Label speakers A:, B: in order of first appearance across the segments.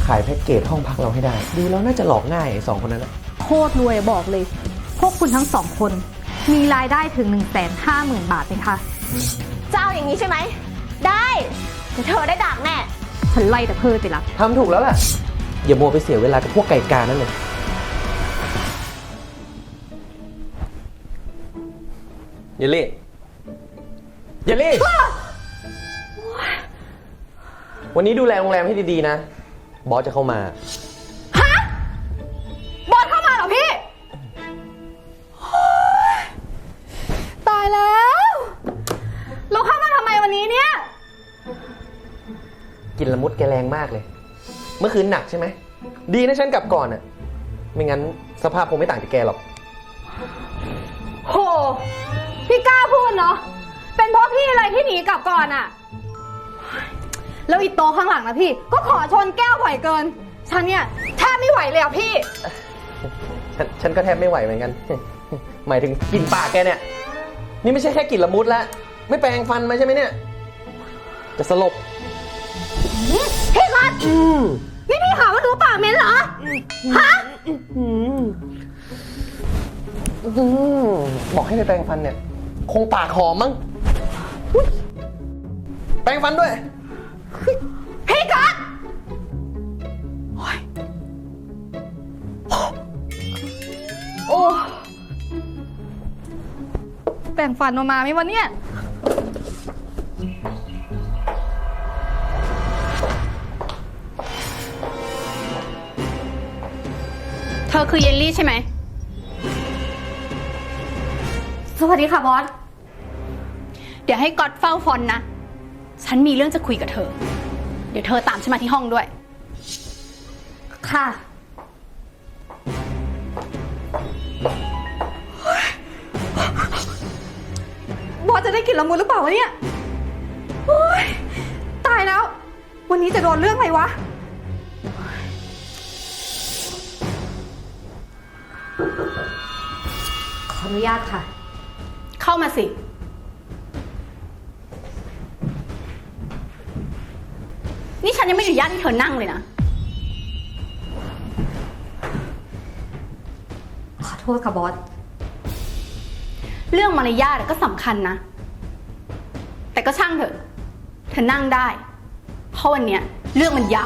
A: ายแพ็กเกจห้องพักเราให้ได้ดูแล้วน่าจะหลอกง่ายไอ้2 คนนั้นแหละ
B: โคตรรวยบอกเลย พวกคุณทั้ง2 คนมีรายได้ถึง 150,000 บาทเลยค่ะ
C: เจ้าอย่างนี้ใช่ไหมได้แต่เธอได้ดักแน่
B: ฉันไล่แต่เพิ่มไปละ
A: ทำถูกแล้วล่ะอย่ามัวไปเสียเวลากับพวกไก่กานั่นเลยเยลลี่วันนี้ดูแลโรงแรมให้ดีๆนะบอสจะเข้ามา
B: บอสเข้ามาเหรอพี่ ตายแล้วเราเข้ามาทำไมวันนี้เนี่ย
A: กินละมุดแกแรงมากเลยเมื่อคืนหนักใช่ไหมดีนะฉันกลับก่อนอะไม่งั้นสภาพคงไม่ต่างจากแกหรอก
B: โห พี่กล้าพูดเนาะ เป็นเพราะพี่อะไรที่หนีกลับก่อนอะแล้วอีโตข้างหลังนะพี่ ก็ขอชนแก้วบ่อยเกิน ฉันเนี่ยแทบไม่ไหวเลยอะพี่
A: ฉันก็แทบไม่ไหวเหมือนกัน หมายถึงกลิ่นปากแกเนี่ย นี่ไม่ใช่แค่กลิ่นละมุดแล้วไม่แปรงฟันมาใช่ไหมเนี่ย จะสลบ
B: พี่กัดนี่พี่หาว่าหนูปากเหม็นเหรอ ฮะ
A: บอกให้ไปแปรงฟันเนี่ย คงปากหอมมั้งแปรงฟันด้วย
B: พี่กัดโอ้แปรงฟันมาไหมวะเนี่ย
D: เธอคือเยลลี่ใช่ไหม
B: สวัสดีค่ะบอส
D: เดี๋ยวให้ก๊อตเฝ้าฟอนต์นะ ฉันมีเรื่องจะคุยกับเธอ เดี๋ยวเธอตามฉันมาที่ห้องด้วย
B: ค่ะ บอสจะได้กลิ่นละมุนหรือเปล่าวะเนี่ยโอ๊ยตายแล้ว วันนี้จะโดนเรื่องอะไรวะ ขออนุญาตค่ะ
D: เข้ามาสิ นี่ฉันยังไม่อนุญาตให้เธอนั่งเลยนะ
B: ขอโทษค่ะบอส
D: เรื่องมารยาทก็สำคัญนะ แต่ก็ช่างเถอะ เธอนั่งได้ เพราะวันเนี้ยเรื่องมันยาว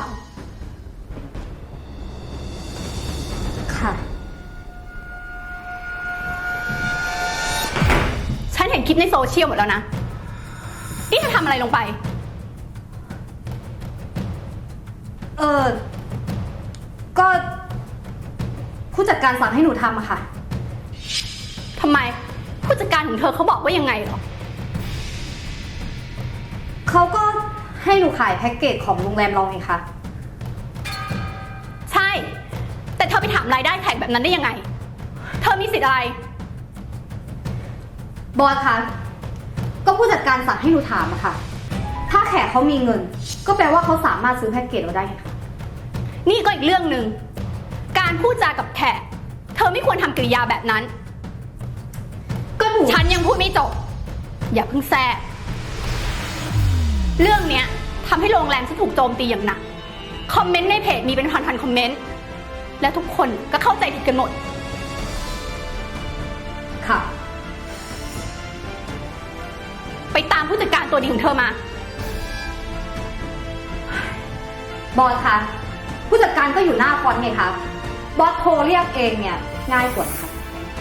B: ค่ะ
D: ฉันเห็นคลิปในโซเชียลหมดแล้วนะ นี่เธอทำอะไรลงไป
B: ก็ผู้จัดการสั่งให้หนูทำอะค่ะ
D: ทำไม ผู้จัดการของเธอเขาบอกว่ายังไงเหรอ
B: เขาก็ให้หนูขายแพ็กเกจของโรงแรมเราไงคะ
D: ใช่ แต่เธอไปถามรายได้แขกแบบนั้นได้ยังไง เธอมีสิทธิ์อะไร
B: บอสคะ ก็ผู้จัดการสั่งให้หนูถามอะค่ะ ถ้าแขกเขามีเงิน ก็แปลว่าเขาสามารถซื้อแพ็กเกจเราได้ค่ะ
D: นี่ก็อีกเรื่องหนึ่ง การพูดจากับแขก เธอไม่ควรทำกริยาแบบนั้น
B: ก็หนู
D: ฉันยังพูดไม่จบ อย่าเพิ่งแทรกเรื่องเนี้ยทำให้โรงแรมฉันถูกโจมตีอย่างหนัก คอมเมนต์ในเพจมีเป็นพันๆคอมเมนต์ และทุกคนก็เข้าใจผิดกันหมด
B: ค่ะ
D: ไปตามผู้จัดการตัวดีของเธอมา
B: บอสคะ ผู้จัดการก็อยู่หน้าฟอนต์ไงคะ บอสโทรเรียกเองเนี่ยง่ายกว่าค่ะ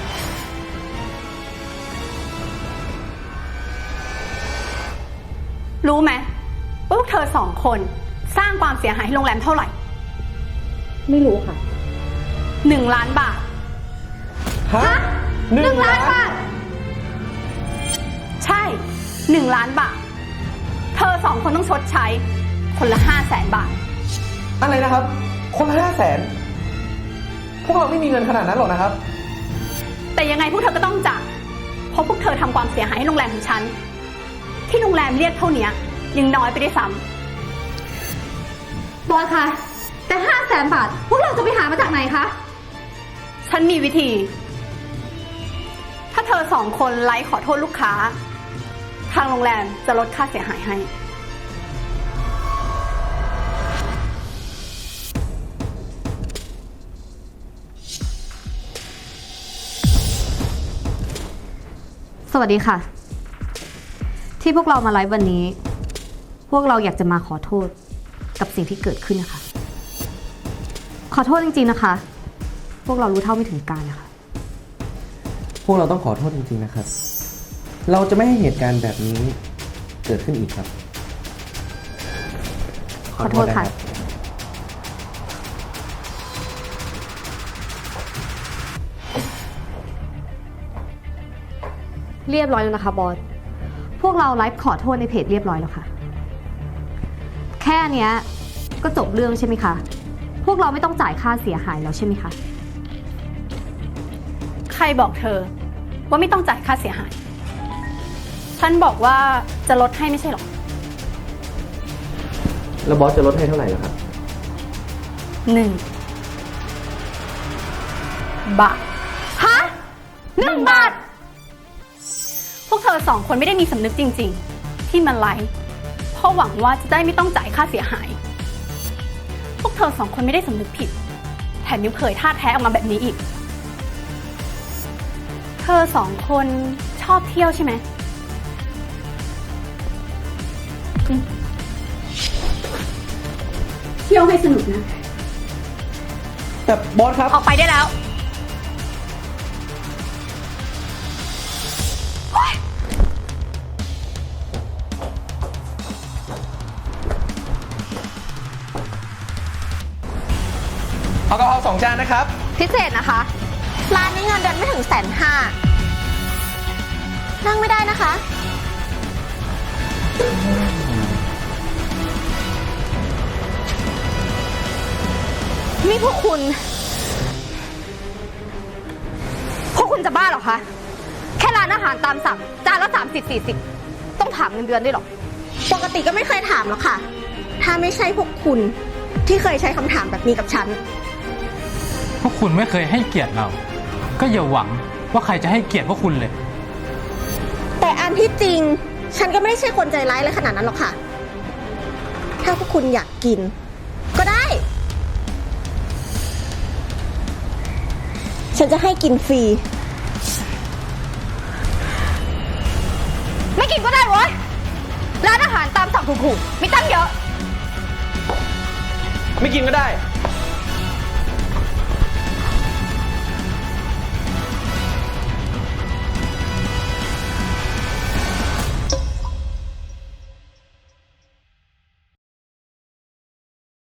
D: รู้ไหมว่าพวกเธอ2 คนสร้างความเสียหายให้โรงแรมเท่าไหร่
B: ไม่รู้ค่ะ
D: 1 ล้านบาท
A: ฮะ1 ล้านบาท
D: ใช่1 ล้านบาท เธอ2 คนต้องชดใช้ คนละ500,000 บาท
A: อะไรนะครับ คนละ500,000พวกเราไม่มีเงินขนาดนั้นหรอกนะครับ
D: แต่ยังไงพวกเธอก็ต้องจ่ายเพราะพวกเธอทำความเสียหายให้โรงแรมของฉัน ที่โรงแรมเรียกเท่านี้ยังน้อยไปได้วยซ้ำ
B: บอสคะ แต่500,000 บาท พวกเราจะไปหามาจากไหนคะ
D: ฉันมีวิธี ถ้าเธอ2 คนไลฟ์ขอโทษลูกค้า ทางโรงแรมจะลดค่าเสียหายให้
B: สวัสดีค่ะ ที่พวกเรามาไลฟ์วันนี้ พวกเราอยากจะมาขอโทษกับสิ่งที่เกิดขึ้นนะคะ ขอโทษจริงๆนะคะ พวกเรารู้เท่าไม่ถึงการนะคะ
A: พวกเราต้องขอโทษจริงๆนะครับ เราจะไม่ให้เหตุการณ์แบบนี้เกิดขึ้นอีกครับ
B: ขอโทษค่ะ เรียบร้อยแล้วนะคะบอส พวกเราไลฟ์ขอโทษในเพจเรียบร้อยแล้วค่ะ แค่เนี้ยก็จบเรื่องใช่ไหมคะ พวกเราไม่ต้องจ่ายค่าเสียหายแล้วใช่ไหมคะ
D: ใครบอกเธอว่าไม่ต้องจ่ายค่าเสียหาย ฉันบอกว่าจะลดให้ไม่ใช่หรอ
A: แล้วบอสจะลดให้เท่าไหร่ล่ะครับ
D: 1 บาท
B: ฮะ1 บาท
D: พวกเธอ2 คนไม่ได้มีสำนึกจริงๆ ที่มาไลฟ์เพราะหวังว่าจะได้ไม่ต้องจ่ายค่าเสียหาย พวกเธอ2 คนไม่ได้สำนึกผิด แถมยังเผยท่าแท้ออกมาแบบนี้อีก เธอ2 คนชอบเที่ยวใช่ไหม เที่ยวให้สนุกนะ
A: แต่บอสครับ
D: ออกไปได้แล้ว
A: เอากะเพรา2 จานนะครับ
B: พิเศษนะคะ
C: ร้านนี้เงินเดือนไม่ถึง150,000นั่งไม่ได้นะคะ
B: นี่พวกคุณจะบ้าเหรอคะ แค่ร้านอาหารตามสั่งจานละ30-40ต้องถามเงินเดือนด้วยเหรอ
C: ปกติก็ไม่เคยถามหรอกค่ะ ถ้าไม่ใช่พวกคุณที่เคยใช้คำถามแบบนี้กับฉัน
E: พวกคุณไม่เคยให้เกียรติเรา ก็อย่าหวังว่าใครจะให้เกียรติพวกคุณเลย
C: แต่อันที่จริง ฉันก็ไม่ได้ใช่คนใจร้ายเลยขนาดนั้นหรอกค่ะ ถ้าพวกคุณอยากกิน ก็ได้ ฉันจะให้กินฟรี
B: ไม่กินก็ได้เว้ย ร้านอาหารตามสั่งถูกๆมีตั้งเยอะ
A: ไม่กินก็ได้